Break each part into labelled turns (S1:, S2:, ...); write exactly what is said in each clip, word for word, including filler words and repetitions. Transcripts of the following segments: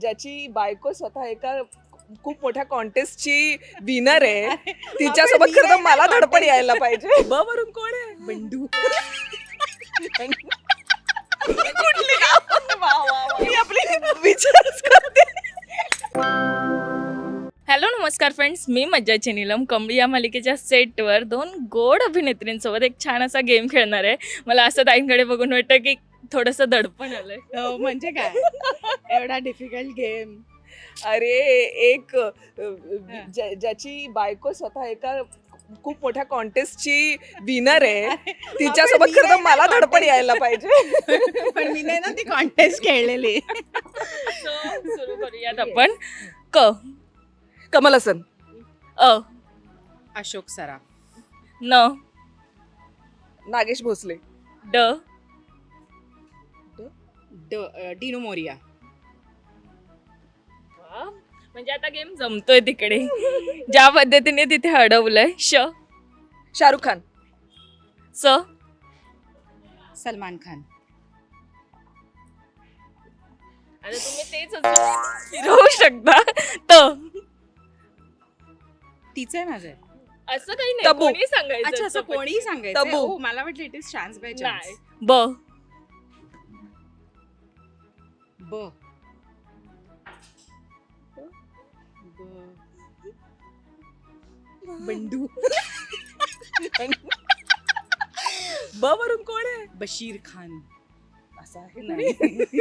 S1: ज्याची बायको स्वतः एका खूप मोठ्या कॉन्टेस्टची विनर आहे, तिच्यासोबत खरं तर मला धडपड यायला पाहिजे. ब वरून कोण आहे?
S2: बंडू.
S1: कुठली मी आपली विचारच करते.
S3: हॅलो नमस्कार फ्रेंड्स, मी मज्जाची नीलम. कमळी या मालिकेच्या सेटवर दोन गोड अभिनेत्रींसोबत एक छान असा गेम खेळणार आहे. मला असं ताईंकडे बघून वाटतं की थोडंसं दडपण आलंय.
S2: हो, म्हणजे काय एवढा डिफिकल्ट गेम.
S1: अरे एक अ, ज्या- ज्याची बायको स्वतः एका खूप मोठ्या कॉन्टेस्टची विनर आहे, तिच्यासोबत खरं तर मला धडपड यायला पाहिजे.
S2: पण मी नाही ना ती कॉन्टेस्ट खेळलेली.
S3: So, सुरू करूयात आपण. क
S1: कमल हसन,
S3: अ
S2: अशोक सराफ,
S3: न
S1: नागेश भोसले,
S3: ड
S2: ड डिनो मोरिया,
S3: वा, म्हणजे आता गेम जमतोय तिकडे. ज्या पद्धतीने तिथे अडवलंय. श
S1: शाहरुख खान,
S3: स
S2: सलमान खान,
S3: आता तुम्ही तेच अजून फिरवू शकता. त
S2: तीच आहे माझं.
S3: असं काही नाही,
S1: तब्बू.
S3: कोणी सांगायचं.
S2: अच्छा, असं कोणी सांगायचं.
S1: तब्बू.
S2: हो, मला वाटलं इट इज चान्स बाय
S3: नाही.
S2: चान्स.
S3: ब
S2: ब बंडू.
S1: ब वरून कोण आहे?
S2: बशीर खान.
S1: असं आहे
S2: नाही.
S1: नाही.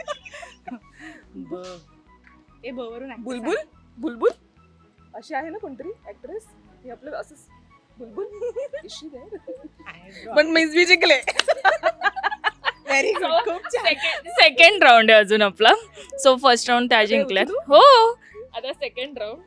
S2: ब ए ब वरून actor
S1: बुलबुल बुलबुल अशी आहे ना कोणतरी ऍक्ट्रेस, ती आपलं असं बुलबुल इशी आहे.
S2: सांग.
S1: पण मीच बी जिंकले.
S2: Very good. खूप छान.
S3: सेकंड सेकंड राऊंड आहे अजून आपला. सो फर्स्ट राऊंड त्या जिंकल्यात. हो, आता सेकंड राऊंड.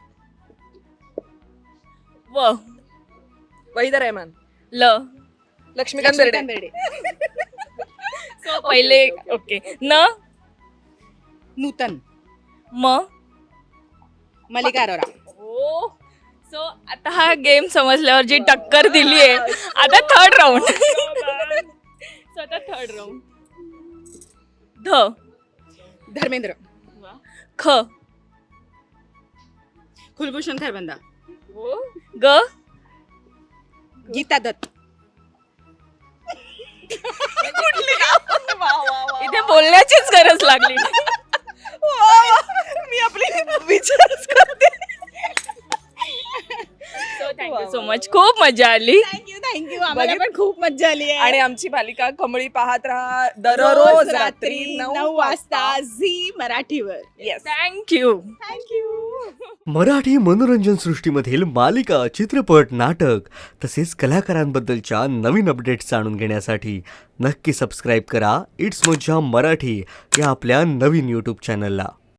S3: व
S1: वहिदा रहमान,
S3: ल
S1: लक्ष्मीकांत बेर्डे.
S2: लक्ष्मीकांत बेर्डे.
S3: सो पहिले ओके. न
S2: नूतन,
S3: म
S2: मल्लिका अरोरा.
S3: हो. सो आता हा गेम समजल्यावर जी टक्कर दिली आहे, आता थर्ड राऊंड. सो आता थर्ड राऊंड. ध
S2: धर्मेंद्र,
S3: ख
S2: कुलभूषण खरबंदा,
S3: ग
S2: गीता दत्त.
S3: इथे बोलण्याचीच गरज लागली.
S1: मी आपली विचारच करते.
S3: So thank you so much. खूप मजा आली.
S2: Thank you thank you. आम्हाला पण खूप मजा आली आहे.
S1: आणि आमची मालिका कमळी पाहत राहा दररोज रात्री
S2: नऊ वाजता झी मराठीवर.
S1: येस.
S3: थँक्यू.
S2: थँक्यू.
S4: मराठी मनोरंजन सृष्टीमधील मालिका, चित्रपट, नाटक तसेच कलाकारांबद्दलच्या नवीन अपडेट्स जाणून घेण्यासाठी नक्की सबस्क्राईब करा इट्स मज्जा मराठी या आपल्या नवीन यूट्यूब चॅनलला.